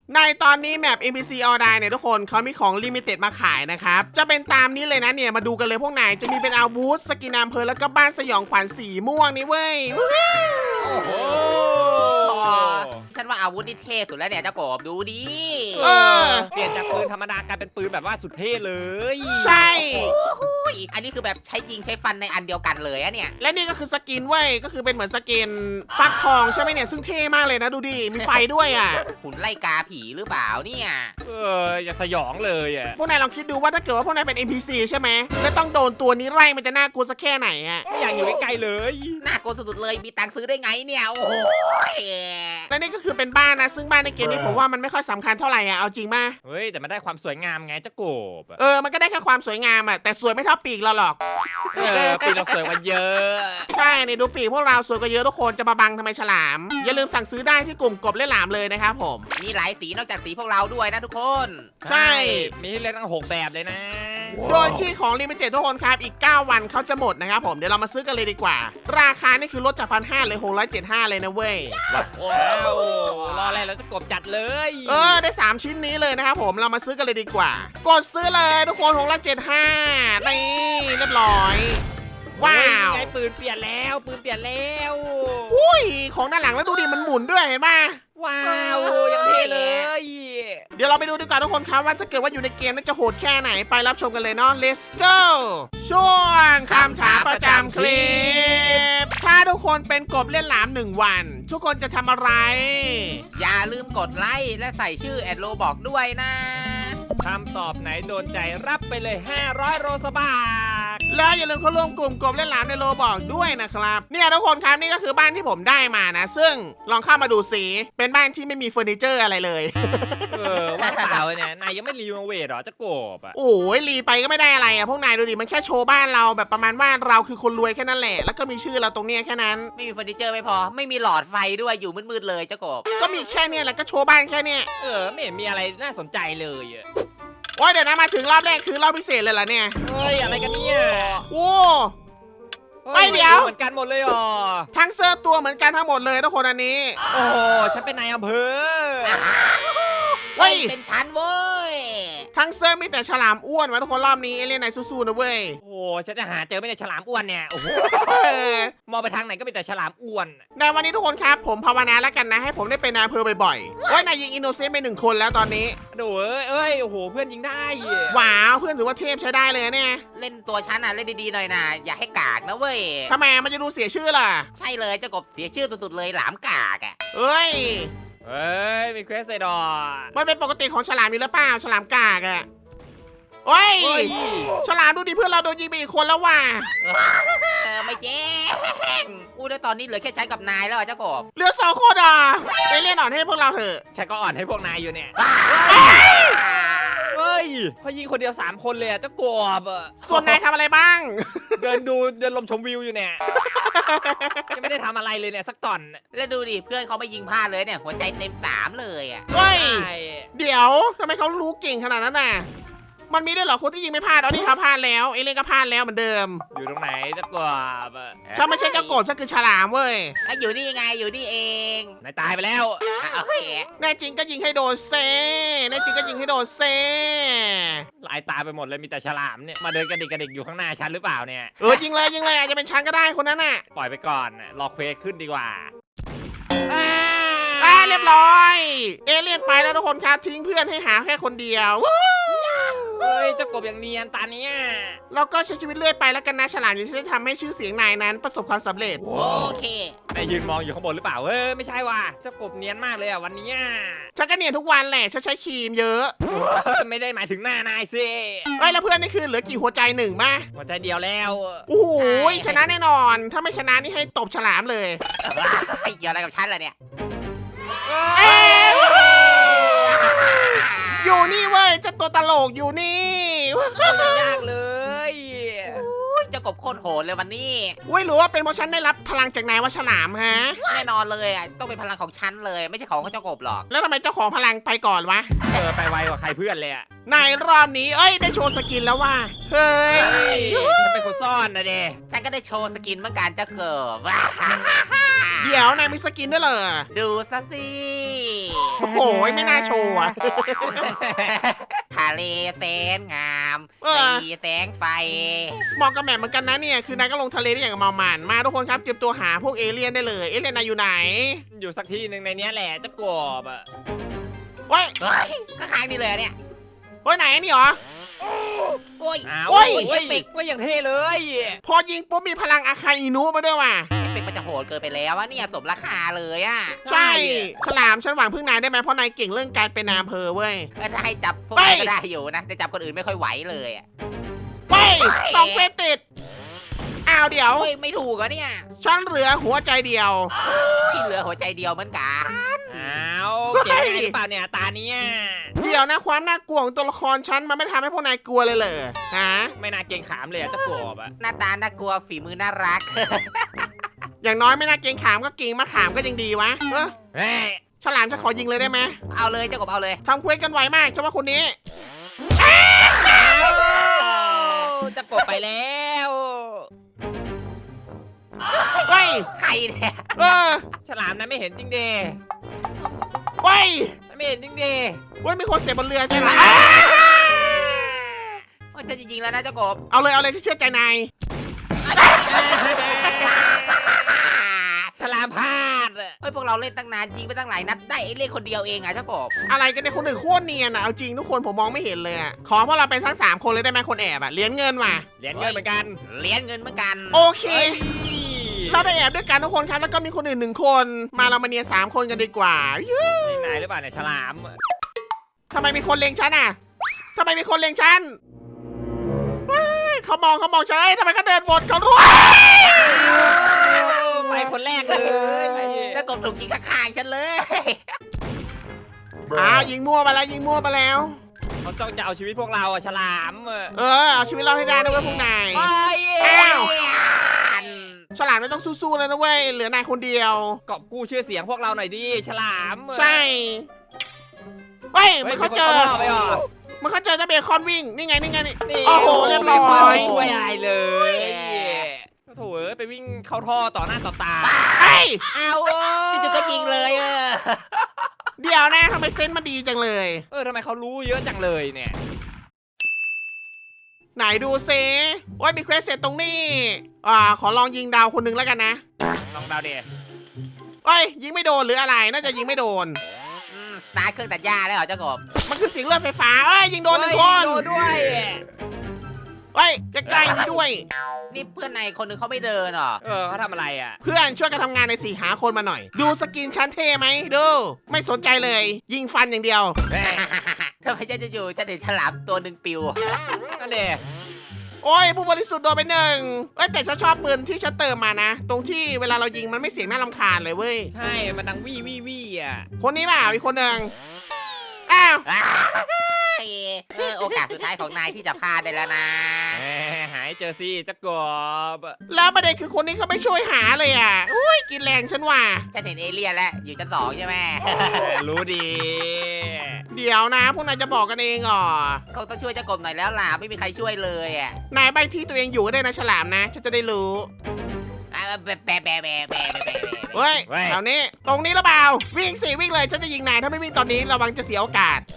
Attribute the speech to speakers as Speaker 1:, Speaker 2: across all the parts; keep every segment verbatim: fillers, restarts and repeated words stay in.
Speaker 1: ในตอนนี้แมป เอ็น พี ซี All Die เนี่ยทุกคนเขามีของลิมิเต็ดมาขายนะครับจะเป็นตามนี้เลยนะเนี่ยมาดูกันเลยพวกนายจะมีเป็นอาวุธสกินอำเภอแล้วก็บ้านสยองขวัญสีม่วงนี่เว้ย
Speaker 2: โอ้โหฉันว่าอาวุธนี่เท่สุดแล้วเนี่ยเจ้ากบดูดิ
Speaker 1: เออ
Speaker 3: เปลี่ยนจากปืนธรรมดากลายเป็นปืนแบบว่าสุดเท่เลย
Speaker 1: ใช่
Speaker 2: อุ้ยอันนี้คือแบบใช้ยิงใช้ฟันในอันเดียวกันเลยอะเนี่ย
Speaker 1: และนี่ก็คือสกินเว้ยก็คือเป็นเหมือนสกินฟักทองใช่ไหมเนี่ยซึ่งเท่มากเลยนะดูดิมีไฟด้วยอ่ะ
Speaker 2: หุ่นไล่กาผีหรือเปล่าเนี่ย
Speaker 3: เอออย่าสยองเลยอ่ะ
Speaker 1: พวกนายลองคิดดูว่าถ้าเกิดว่าพวกนายเป็น เอ็น พี ซี ใช่ไหมแล้วต้องโดนตัวนี้ไล่มันจะน่ากลัวสักแค่ไหนอ่ะ
Speaker 3: ไม่อยากอยู่ใกล้ๆเลย
Speaker 2: น่ากลัวสุดๆเลยมีตังค์ซื้อได้ไงเนี่ยโอ้โห
Speaker 1: และนี่ก็คือเป็นบ้านนะซึ่งบ้านในเกมนี้ผมว่ามันไม่ค่อยสำคัญเท่าไหร่อ่ะเอาจริงป่ะ
Speaker 3: เฮ้ยแต่มันได้ความสวยงามไงเจ้ากบอะ
Speaker 1: เออมันก็ได้แค่ความสวยงามอ่ะแต่สวยไม่เท่าปีกเราหรอก
Speaker 3: เออปีเราสวยกว่าเยอะ
Speaker 1: ใช่นี่ดูปีกพวกเราสวยกว่าเยอะทุกคนจะมาบังทำไมฉลาม อย่าลืมสั่งซื้อได้ที่กลุ่มกบเล่นหลามเลยนะครับผม
Speaker 2: มีหลายสีนอกจากสีพวกเราด้วยนะทุกคน
Speaker 1: ใช่
Speaker 3: มีให้เลือกตั้งหกแบบเลยนะ
Speaker 1: โดยที่ของลิมิเต็ดทุกคนครับอีกเก้าวันเขาจะหมดนะครับผมเดี๋ยวเรามาซื้อกันเลยดีกว่า ราคานี่คือลดจากพันห้าเลยหกร้อยเจ็ดห้าเลยนะเว้ย
Speaker 2: โอ้
Speaker 3: ว้าวรออะไรแล้วเจ้ากบจัดเลย
Speaker 1: เออได้สามชิ้นนี้เลยนะครับผมเรามาซื้อกันเลยดีกว่า กดซื้อเลยทุกคนหกร้อยเจ็ดห้านี่เรียบร้อยว้าว
Speaker 3: เฮ้ยไงปืนเปลี่ยนแล้วปืนเปลี่ยนแล้ว
Speaker 1: อุ้ยของด้านหลังแล้วดูดิมันหมุนด้วยเห็นปะ
Speaker 3: ว้าวยังเท่เลย
Speaker 1: เดี๋ยวเราไปดูดีกว่าทุกคนครับว่าจะเกิดว่าอยู่ในเกมน่าจะโหดแค่ไหนไปรับชมกันเลยเนาะ let's go ช่วงคำถามประจำคลิป ถ้าทุกคนเป็นกบเล่นหลามหนึ่งวัน ทุกคนจะทำอะไร
Speaker 2: อย่าลืมกดไลค์และใส่ชื่อแอดโลบอกด้วยนะ
Speaker 3: คำตอบไหนโดนใจรับไปเลยห้าร้อยโรสบาท
Speaker 1: แล้วอย่าลืมเข้าร่วมกลุ่มกบเล่นหลามในโลบอกด้วยนะครับเนี่ยทุกคนครับนี่ก็คือบ้านที่ผมได้มานะ ซึ่งลองเข้ามาดูสิเป็นบ้านที่ไม่มีเฟอร์นิเจอร์อะไรเลย
Speaker 3: เออว่างเปล่าเนี่ยนายยังไม่รีโนเวทหรอเจ้ากบอ่ะ
Speaker 1: โอ้ยรีไปก็ไม่ได้อะไรอ่ะพวกนายดูดิมันแค่โชว์บ้านเราแบบประมาณว่าเราคือคนรวยแค่นั้นแหละแล้วก็มีชื่อเราตรงเนี้ยแค่นั้น
Speaker 2: ไม่มีเฟอร์นิเจอร์ไม่พอ ไม่มีหลอดไฟด้วยอยู่มืดๆเลยเจ้ากบ
Speaker 1: ก็มีแค่เนี้ยแหละก็โชว์บ้านแค่เนี้ย
Speaker 3: เออไม่เห็นมีอะไรน่าสนใจเลยอ่ะ
Speaker 1: โอ้ยเดี๋ยวนะมาถึงรอบแรกคือรอบพิเศษเลยเหรอเนี่ย
Speaker 3: เฮ้ยอะไรกันเนี่ย
Speaker 1: โอ้
Speaker 3: ฮ้
Speaker 1: ไม่เดี๋ยว
Speaker 3: เหมือนกันหมดเลยอ๋อ
Speaker 1: ทั้งเสื้อตัวเหมือนกันทั้งหมดเลยทุกคนอันนี้
Speaker 3: โอ้โหฉันเป็นนายอำเภอ
Speaker 1: เฮ้ย
Speaker 2: เป็นชั้นเว้ย
Speaker 1: ทั้งเสื้อมีแต่ฉลามอ้วนวะทุกคนรอบนี้เอเลี่ยนไหนสู้ๆนะเว้ย
Speaker 3: โอ้โหฉันจะหาเจอไม่ได้ฉลามอ้วนเนี่ยโอ้โห
Speaker 1: เออ
Speaker 3: มองไปทางไหนก็มีแต่ฉลามอ้วน
Speaker 1: ในวันนี้ทุกคนครับผมภาวนาแล้วกันนะให้ผมได้เป็นนายอำเภอบ่อยๆโอ้ยนายยิงอินโนเซนต์ไปหนึ่งคนแล้วตอนนี้
Speaker 3: ดูเอ้ยเอ้ยโอ้โหเพื่อนยิงได้
Speaker 1: ว้าวเพื่อนถือว่าเทพใช้ได้เลยนะเนี่ย
Speaker 2: เล่นตัวชั้นอ่ะเล่นดีๆหน่อยนะอย่าให้กากนะเว้ย
Speaker 1: ทำไมมันจะดูเสียชื่อล่ะ
Speaker 2: ใช่เลยเจ้ากบเสียชื่อสุดๆเลยหลามกากอ่ะ
Speaker 1: เอ้ย
Speaker 3: เฮ้ยมีเควสไซดอร์
Speaker 1: มันเป็นปกติของฉลามอยู่แล้วเปล่าฉลามกากอะโอ้ย
Speaker 3: เฮ้ย
Speaker 1: ฉลามดูดิเพื่อนเราโดนยิงไปอีกคนแล้วว่ะ
Speaker 2: เออไม่เจ๊งอู้ได้ตอนนี้เหลือแค่ใช้กับนายแล้วอะเจ้ากบ
Speaker 1: เหลือสองคนอ่ะไปเล่นอ่อนให้พวกเราเถอะ
Speaker 3: ฉันก็อ่อนให้พวกนายอยู่เนี่ยเฮ้ยเขายิงคนเดียวสามคนเลยอะเจ้ากบอะ
Speaker 1: ส่วนนายทำอะไรบ้าง
Speaker 3: เดินดูเดินลมชมวิวอยู่เนี่ยยังไม่ได้ทำอะไรเลยเนี่ยสักตอน
Speaker 2: แล้วดูดิเพื่อนเขาไม่ยิงพลาดเลยเนี่ยหัวใจเต็มสามเลยอ่ะ
Speaker 1: เฮ้ย
Speaker 3: ใช่
Speaker 1: เดี๋ยวทำไมเขารู้เก่งขนาดนั้นน่ะ มันมีด้วยเหรอคนที่ยิงไม่พลาดอ๋อนี่เขาพลาดแล้วเอเลี่ยนก็พลาดแล้วเหมือนเดิม
Speaker 3: อยู่ตรงไหนเจ้ากบอะ
Speaker 1: ฉันไม่ใช่เจ้าโกบฉันคือฉลามเว้ย
Speaker 2: อ่ะอยู่นี่ไงอยู่นี่เอง
Speaker 3: นายตายไปแล้ว
Speaker 2: อ่ะโอเค
Speaker 1: แน่จริงก็ยิงให้โดนเซแน่จริงก็ยิงให้โดนเซ
Speaker 3: ลายตาไปหมดเลยมีแต่ฉลามเนี่ยมาเดินกระดิกกระดิกอยู่ข้างหน้าฉันหรือเปล่าเนี่ย
Speaker 1: เออยิงเลยยิงเลยอาจจะเป็นฉันก็ได้คนนั้นน่ะ
Speaker 3: ปล่อยไปก่อนน่ะรอเควสขึ้นดีกว่า
Speaker 1: อ่าเรียบร้อย เอเลี่ยนไปแล้วทุกคนครับทิ้งเพื่อนให้หาแค่คนเดียววู้
Speaker 3: เฮ้ยเจ้ากบอย่างเนียนตาเนี้ย
Speaker 1: เราก็ใช้ชีวิตเรื่อยไปแล้วกันนะฉลามอยู่ที่ได้ทำให้ชื่อเสียงนายนั้นประสบความสำเร็จ
Speaker 2: โอเค
Speaker 3: นายยืนมองอยู่ข้างบนหรือเปล่าเฮ้ยไม่ใช่ว่ะเจ้ากบเนียนมากเลยอ่ะวันเนี้ย
Speaker 1: ฉันก็เนียนทุกวันแหละฉันใช้ครีมเยอะ
Speaker 3: เฮ้ยไม่ได้หมายถึงหน้านายสิ
Speaker 1: เอ้ยแล้วเพื่อนนี่คือเหลือกี่หัวใจหนึ่งมา
Speaker 3: หัวใจเดียวแล้ว
Speaker 1: โอ้โหชนะแน่นอน ถ้าไม่ชนะนี่ให้ตบฉลามเลย
Speaker 2: เกี่ยวอะไรกับฉันล่ะเนี่ย
Speaker 1: เอ้ยอยู่นี่เว้ยเจ้าตัวตลกอยู่นี่
Speaker 3: ยากเลย
Speaker 2: เจ้ากบโคตรโหดเลยวันนี้
Speaker 1: เว้ยหรือว่าเป็นเพราะฉันได้รับพลังจากนายว่าฉลามฮะ
Speaker 2: แน่นอนเลยอ่ะต้องเป็นพลังของฉันเลยไม่ใช่ของเจ้ากบหรอก
Speaker 1: แล้วทำไมเจ้าของพลังไปก่อนวะ
Speaker 3: เออไปไวกว่าใครเพื่อนเลยอ่ะ
Speaker 1: ในรอบนี้เอ้ยได้โชว์สกินแล้วว่ะเฮ้ย
Speaker 3: ฉันเป็นคนซ่อนนะเด
Speaker 2: ฉันก็ได้โชว์สกินเหมือนกันเจ้าเกิบ
Speaker 1: เดี๋ยวนายมีสกินด้วยเหรอ
Speaker 2: ดูซะสิ
Speaker 1: โอ้โหไม่น่าโชว์อะ
Speaker 2: ทะเลแสนงาม
Speaker 1: เออ
Speaker 2: มีแสงไฟ
Speaker 1: เหมาะกับแมปเหมือนกันนะเนี่ยคือนายก็ลงทะเลได้อย่างเมามันมาทุกคนครับเตรียมตัวหาพวกเอเลี่ยนได้เลยเอเลี่ยนนายอยู่ไหน
Speaker 3: อยู่สักที่หนึ่งในเนี้ยแหละเจะกบอ่ะ
Speaker 1: เฮ้ย
Speaker 2: เฮ้ยก็ค้างนี่เลยเนี่ย
Speaker 1: เฮ้ยไหนนี่เหรอ
Speaker 2: โอ้ย
Speaker 3: อ้าว
Speaker 1: โอ้ย
Speaker 3: เฮ้ยว่าอย่างเท่เลย
Speaker 1: พอยิงปุ๊บมีพลังอาคาอินุมาด้วยว่ะ
Speaker 2: เอฟเฟกต์มันจะโหดเกินไปแล้วอะเนี่ยสมราคาเลยอะ
Speaker 1: ใช่ฉลามฉันหวังพึ่งนายได้ไหมเพราะนายเก่งเรื่องการเป็นนายอำเภอเว้ย
Speaker 2: ก็ได้จับพวก
Speaker 1: ไป
Speaker 2: นี้ก็ได้อยู่นะแต่จับคนอื่นไม่ค่อยไหวเลยอะ
Speaker 1: เฮ้ยสองเควสติดอ้าวเดี๋ยว
Speaker 2: โอ้ยไม่ถูกอะเนี่ย
Speaker 1: ฉันเหลือหัวใจเดียว
Speaker 2: ที่เหลือหัวใจเดียวเหมือนกัน
Speaker 3: อ้าวเก่งยังไงหรือเปล่าเนี่ยตาเนี้ย
Speaker 1: เดี๋ยวนะความน่ากลัวของตัวละครฉันมันไม่ทำให้พวกนายกลัวเลยเหรอฮะ
Speaker 3: ไม่น่าเก่งขามเลยอะเจะกบอ่ะ
Speaker 2: หน้าตาน่ากลัวฝีมือน่ารัก
Speaker 1: อย่างน้อยไม่น่าเกรงขามก็เก่งมาขามก็ยังดีวะเออ
Speaker 3: เฮ้ย
Speaker 1: ฉลามจะขอยิงเลยได้ไหม
Speaker 2: เอาเลยเจ้ากบเอาเลย
Speaker 1: ทำเควสกันไวมากเฉพาะคนนี้
Speaker 3: เจะกบไปแล้ว
Speaker 1: เฮ้ย
Speaker 2: ใครเนี่ย
Speaker 1: เออ
Speaker 3: ฉลามนะไม่เห็นจริงเด
Speaker 1: เฮ้ย
Speaker 3: ไม่เห็นจริงเด
Speaker 1: เว้ยมีคนเสียบนเรือใช่ไหม
Speaker 2: โอ้ยจะจริงๆแล้วนะเจ้ากบ
Speaker 1: เอาเลยเอาเลยที่เชื่อใจนาย
Speaker 3: ฉลามพลาดอะ
Speaker 2: เฮ้ยพวกเราเล่นตั้งนานยิงไปตั้งหลายนัดได้ไอ้เล่นคนเดียวเองอะเจ้ากบ
Speaker 1: อะไรกันเนี่ยคนอื่นโคตรเนียนอ่ะเอาจริงทุกคนผมมองไม่เห็นเลยอ่ะขอพวกเราเป็นทั้งสามคนเลยได้ไหมคนแอบอ่ะเหรียญเงินว่ะ
Speaker 3: เหรียญเงินเหมือนกัน
Speaker 2: เหรียญเงินเหมือนกัน
Speaker 1: โอเค
Speaker 3: เฮ้ย
Speaker 1: เราได้แอบด้วยกันทุกคนครับแล้วก็มีคนอื่นหนึ่งคนมาเรามาเนียนสามคนกันดีกว่ายู้
Speaker 3: นี่นายหรือเปล่าเนี่ยฉลามอะ
Speaker 1: ทำไมมีคนเล็งฉันอ่ะทำไมมีคนเล็งฉันเฮ้ยเขามองเขามองฉันเอ้ยทำไมเขาเดินวนเขารู้
Speaker 3: ไปคนแรกเลย
Speaker 2: เจ้ากบถูกยิงข้างๆฉันเลย
Speaker 1: อ้าวยิงมั่วมาแล้วยิงมั่วมาแล้ว
Speaker 3: เขาจ้องจะเอาชีวิตพวกเราอะฉลามอะ
Speaker 1: เออเอาชีวิตเราให้ได้นะเว้ยพวกนาย
Speaker 3: ไป
Speaker 1: อ้าว
Speaker 2: เอ้ย
Speaker 1: ฉลามไม่ต้องสู้ๆเลยนะเว้ยเหลือนายคนเดียว
Speaker 3: กอบกู้ชื่อเสียงพวกเราหน่อยดิฉลามอะ
Speaker 1: ใช่เฮ้ย
Speaker 3: ฮ้
Speaker 1: มั
Speaker 3: ย
Speaker 1: นเขาเจอ
Speaker 3: มีคนข้ารอบไปหรอ
Speaker 1: มันเขาเจอเจ้าเบคอนวิ่งนี่ไงนี่ไงนี่
Speaker 3: นี่
Speaker 1: โอ้โหเรียบร้อย
Speaker 3: ไม่ช่วยอะไรเลยโถ่เอ้ยไปวิ่งเข้าท่อต่อหน้าต่อตา
Speaker 1: เฮ้ย
Speaker 3: เอาเ
Speaker 2: จู่ๆก็ยิงเลยเออ
Speaker 1: เดี๋ยวนะทำไมเซนส์มันดีจังเลย
Speaker 3: เออทำไมเขารู้เยอะจังเลยเนี่ย
Speaker 1: ไหนดูเซโอ้ยมีเควสเสร็จตรงนี้อ่าขอลองยิงดาวคนหนึงแล้วกันนะ
Speaker 3: ลองเดาเด
Speaker 1: เอ้ยยิงไม่โดนหรืออะไรน่าจะยิงไม่โดน
Speaker 2: อืมตายเครื่องตัดหญ้าแล้วเหรอเจ้ากบ
Speaker 1: มันคือเสียงเลือดไฟฟ้าเอ้ยยิงโดนหนึ่งคน
Speaker 3: โดนด้วย
Speaker 1: เอ้ยใกล้ๆนี่ด้วย
Speaker 2: นี่เพื่อนในคนหนึงเขาไม่เดินเหรอ
Speaker 3: เออเขาทำอะไรอ่ะ
Speaker 1: เพื่อนช่วยกันทำงานในสี่หาคนมาหน่อย ดูสกินชั้นเท่ไหมดูไม่สนใจเลย ยิงฟันอย่างเดียว
Speaker 3: เฮ้ย
Speaker 2: ทำไมฉันจะอยู่ฉันเห็นฉลามตัวหนึ่งปิว
Speaker 3: นั่นเด
Speaker 1: โอ้ยผู้บริสุทธิ์โดนไปหนึ่งเอ้ยแต่ฉันชอบปืนที่ฉันเติมมานะ ตรงที่เวลาเรายิงมันไม่เสียงน่ารำคาญเลยเว้ย
Speaker 3: ใช่มันดังวี่วี่วี่อ่ะ
Speaker 1: คนนี้เปล่าอีกคนหนึ่งอ้าว
Speaker 2: เออโอกาสสุดท้ายของนายที่จะพลาดได้แล้วนะ
Speaker 3: แหมหายเจอสิจะกบ
Speaker 1: แล้วประเด็นคือคนนี้เขาไม่ช่วยหาเลยอ่ะอุ้ยกินแรงฉันว่ะ
Speaker 2: ฉันเห็นเอเลี่ยนแล้วอยู่ชั้นสองใช่ไหม
Speaker 3: รู้ดี
Speaker 1: เดี๋ยวนะ พวกนายจะบอกกันเองเหรอ
Speaker 2: เขาต้องช่วยเจ้ากบหน่อยแล้วล่ะไม่มีใครช่วยเลยอ่ะ
Speaker 1: นายใบที่ตัวเองอยู่ก็ได้นะฉลามนะฉันจะได้รู้
Speaker 2: อ่ะแบะแบะแบะแบะแบะแบะแบะ
Speaker 1: เฮ้ยแถวนี้ตรงนี้หรือเปล่าวิ่งสิวิ่งเลยฉันจะยิงนายถ้าไม่วิ่งตอนนี้ระวังจะเสียโอกาส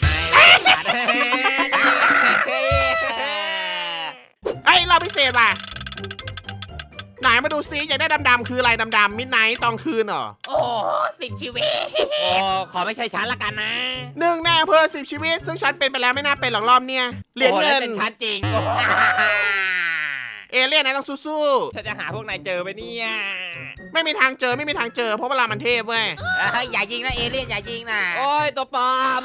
Speaker 1: เอ้ยเราพิเศษว่ะไหนมาดูซิอยากได้ดำๆคืออะไรดำๆมิดไนท์ตอนคืนเหรอ
Speaker 2: โอ้โหสิบชีวิต
Speaker 3: โอ้ขอไม่ใช่ฉันละกันนะ
Speaker 1: หนึ่งแน่เพิ่มสิบชีวิต ซึ่งฉันเป็นไปแล้วไม่น่าเป็นหรอกรอบเนี่ยเหรียญ
Speaker 3: โอ้
Speaker 1: เงิ
Speaker 3: แล้ว
Speaker 1: น
Speaker 3: เป็นฉันจริงโอ้โห
Speaker 1: เอเลี่ยนนายต้องสู้
Speaker 3: ฉันจะหาพวกนายเจอไปเนี่ย
Speaker 1: ๆไม่มีทางเจอไม่มีทางเจอเพราะเวลามันเทพเว้ย
Speaker 2: เฮ้ยอย่ายิงนะเอเลี่ยนอย่ายิงนะ
Speaker 3: โอ้ยตัวปลอม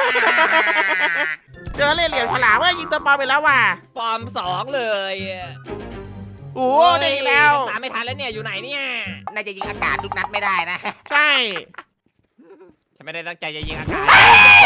Speaker 1: เจอเล่ห์เหลี่ยมฉลามเว้ยยิงตัวปลอมไปแล้วว่ะ
Speaker 3: ปลอมสองเลย
Speaker 1: โอ้ได้อีกแล้ว
Speaker 3: ตามไม่ทันแล้วเนี่ยอยู่ไหนเนี่ย
Speaker 2: น่าจะยิงอากาศทุกนัดไม่ได้นะ
Speaker 1: ใช่
Speaker 3: ฉันไม่ได้ตั้งใจจะยิงอากาศ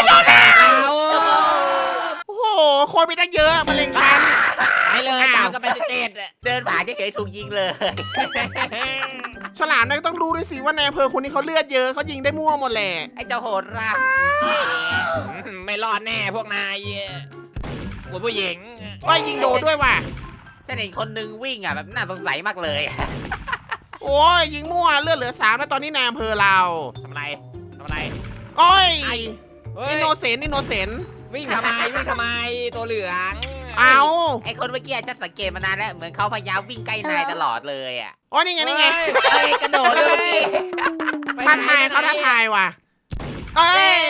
Speaker 1: โอ้โหคนมีตั้งเยอะมาเล็งฉัน
Speaker 3: ไปเลยตามกันไปเต็ดๆอะ
Speaker 2: เดินผ่านเฉยๆถูกยิงเลย
Speaker 1: ฉลามนายก็ต้องรู้ด้วยสิว่าในอำเภอคนนี้เขาเลือดเยอะเขายิงได้มั่วหมดแหละ
Speaker 2: ไอ้เจ้าโหดร้าย
Speaker 3: ไม่รอดแน่พวกนายคุณผู้หญิง
Speaker 1: ว่ายิงโดนด้วยว่ะ
Speaker 2: ฉันเห็นคนนึงวิ่งอ่ะแบบน่าสงสัยมากเลย
Speaker 1: โอ้ยยิงมั่วเลือดเหลือสามแล้วตอนนี้ในอำเภอเรา
Speaker 3: ทำอะไรทำอะไร
Speaker 1: เโอ้ย
Speaker 3: เฮ้ย
Speaker 1: อินโนเซนต์อินโนเซนต์
Speaker 3: วิ่งทำไมวิ่งทำไมตัวเหลือง
Speaker 1: เอา
Speaker 2: ไอคนเมื่อกี้ฉันสังเกตมานานแล้วเหมือนเขาพยายามวิ่งใกล้นายตลอดเลยอ่ะ
Speaker 1: โอ้ยนี่ไงนี่ไง
Speaker 2: เอ้ยกระโดดเลยเมื่อกี้
Speaker 1: ท้าทายเขาท้าทายว่ะเอ้ย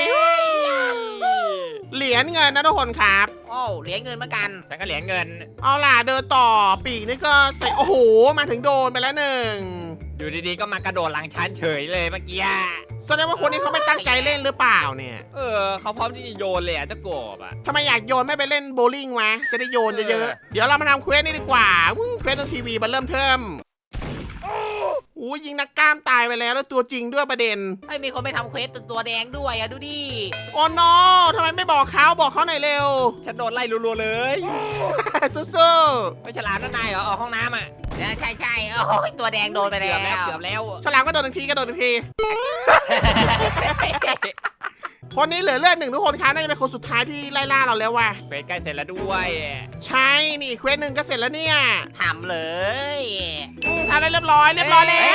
Speaker 1: เหรียญเงินนะทุกคนครับ
Speaker 2: โอ้เหรียญเงินเหมือนกัน
Speaker 3: ฉันก็เหรียญเงิน
Speaker 1: เอาล่ะเดินต่อปีกนี่ก็ใส่โอ้โหมาถึงโดนไปแล้วหนึ่ง
Speaker 3: อยู่ดีๆก็มากระโดดหลังชั้นเฉยเลยเมื่อกี้
Speaker 1: แสดงว่าคนนี้เขาไม่ตั้งใจเล่นหรือเปล่าเนี่ย
Speaker 3: เออเขาพร้อมที่จะโยนเลยอ่ะเจ้ากบอ่ะ
Speaker 1: ทำไมอยากโยนไม่ไปเล่นโบว์ลิ่งวะจะได้โยนเยอะ
Speaker 3: เออ
Speaker 1: ๆเดี๋ยวเรามาทำเควสนี่ดีกว่าวุ้งเควสตรงทีวีมันเริ่มเทิมโอ้ยยิงนักกล้ามตายไปแล้วแล้วตัวจริงด้วยประเด็น
Speaker 2: ไอ้ยมีคนไปทำเควสตัวแดงด้วยอ่ะดูดิ
Speaker 1: โอ้โนทำไมไม่บอกเขาบอกเขาหน่อยเร็ว
Speaker 3: ฉันโดนไล่รัวๆเลย
Speaker 1: สู้
Speaker 3: ไม่ฉลามนั่นนายเหรอออกห้องน้ำอ่ะ
Speaker 2: ใช่ใช่ใช่โอ้ยตัวแดงโดนไป
Speaker 3: เกื
Speaker 2: แล้
Speaker 3: อบแล้ว
Speaker 2: ว
Speaker 3: เกือบแล้ว
Speaker 1: ๆฉลามก็โดนหนึ่งทีก็โดนหนึ่งที คนนี้เหลือเลือดหนึ่งทุกคนครับน่าจะเป็นคนสุดท้ายที่ไล่ล่าเราแล้วว่ะ
Speaker 3: เควสใกล้เสร็จแล้วด้วย
Speaker 1: ใช่นี่เควสหนึ่งก็เสร็จแล้วเนี่ย
Speaker 2: ทำเลย
Speaker 1: อืมทำได้เรียบร้อยเรียบร้อยแล้ว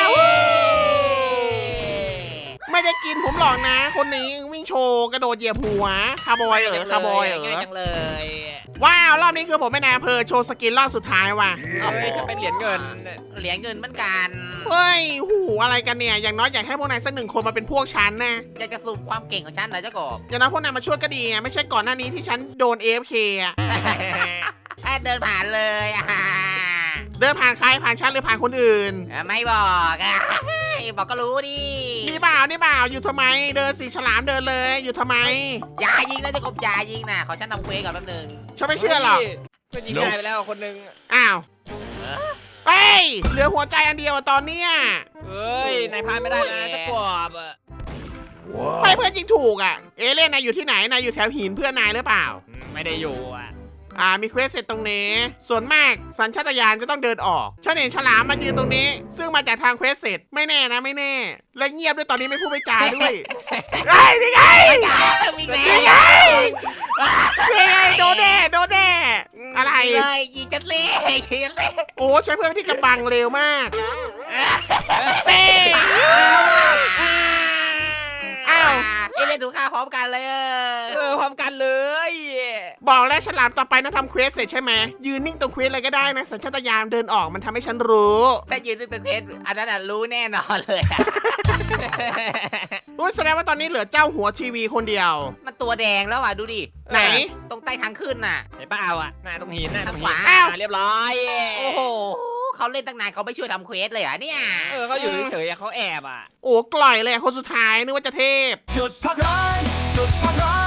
Speaker 1: ไม่ได้กินผมหรอกนะ คนนี้วิ่งโชว์กระโดดเหยียบหัวคาร์บอยเหรอคาร์บอยเหร
Speaker 3: ง่าย
Speaker 1: อ
Speaker 3: จังเลย
Speaker 1: ว้าวรอบนี้คือผมไม่นายอำเภอโชว์สกินรอบสุดท้ายว่ะ
Speaker 3: เฮ้ยฉันเป็นเหรียญเงิน
Speaker 2: เหรียญเงินเหมือนกัน
Speaker 1: เฮ้ยหูอะไรกันเนี่ยอย่างน้อยอยากให้พวกนายสักหนึ่งคนมาเป็นพวกฉันนะ
Speaker 2: อยากจะสรุปความเก่งของฉันนะเจ้ากบ
Speaker 1: อย่างน้อยพวกนายมาช่วยก็ดีไงไม่ใช่ก่อนหน้านี้ที่ฉันโดน เอ เอฟ เค อ่ะ
Speaker 2: แค่เดินผ่านเลยอ่ะ
Speaker 1: เดินผ่านใครผ่านฉันหรือผ่านคนอื่น
Speaker 2: ไม่บอกอ่ะบอกก็รู้ดิ
Speaker 1: นี่เปล่านี่เปล่าอยู่ทำไม เดินสีฉลามเดินเลยอยู่ทำไม
Speaker 2: อย่ายิงนะเจ้ากบอย่ายิงนะขอฉันทำเควสก่อนแป๊บนึง
Speaker 1: ฉันไม่เชื่อหรอก
Speaker 3: ก็ยิงได้ไปแล้วคนหนึง
Speaker 1: อ้าวเฮ้ยเหลือหัวใจอันเดียวอะตอนเนี้ย
Speaker 3: เฮ้ยนายพลาดไม่ได้นะเจ้ากบอะ
Speaker 1: ไม่เพื่อนยิงถูกอ่ะ เอเลี่ยนนายอยู่ที่ไหนนายอยู่แถวหินเพื่อนนายหรือเปล่า
Speaker 3: อืมไม่ได้อยู่อ่ะ
Speaker 1: อ่ามีเควสเสร็จตรงนี้ ส่วนมากสัญชาตญาณจะต้องเดินออกฉันเห็นฉลามมายืนตรงนี้ ซึ่งมาจากทางเควสเสร็จไม่แน่นะไม่แน่ และเงียบด้วยตอนนี้ไม่พูดไม่จาด้วยไอ้นี่ไง
Speaker 2: วิ่งแล้
Speaker 1: นี่ไง
Speaker 2: ว
Speaker 1: นี่ไงโดนแน่โดนแน่อะไร
Speaker 2: เลยยิงจัดเล่ยิงจัดเล่
Speaker 1: โอ้ใช้เพื่อนที่กำบังเร็วมากเต้ อ้าว
Speaker 2: เอเล่นถูกฆ่าพร้อมกันเลย
Speaker 3: เออพร้อมกันเลย
Speaker 1: บอกแล้วฉลามต่อไปนะทำเควสเสร็จใช่ไหมยืนนิ่งตรงเควสอะไรก็ได้นะสัญชาตญาณเดินออกมันทำให้ฉันรู้
Speaker 2: ถ้ายืนตึงๆเพชรอันนั้นรู้แน่นอนเลยอะ
Speaker 1: รู้แสดงว่าตอนนี้เหลือเจ้าหัวทีวีคนเดียว
Speaker 2: มันตัวแดงแล้วอ่ะดูดิ
Speaker 1: ไหน
Speaker 2: ตรงใต้ทางขึ้นน่ะ
Speaker 3: เห็นเปล่าอ่ะหน้าตรงหินหน้าตรงหิน
Speaker 2: ขวา
Speaker 1: อ้าว
Speaker 3: เรียบร้อย
Speaker 2: โอ้โหเขาเล่นตั้งนานเขาไม่ช่วยทำเควสเลยเหรอ่ะเนี่ย
Speaker 3: เออเขาอยู่เฉยๆอะเขาแอบอ่ะ
Speaker 1: โอ้กล่อยเลยคนสุดท้ายนึกว่าจะเทพ
Speaker 4: จุดพักร้อนจุดพักร้อน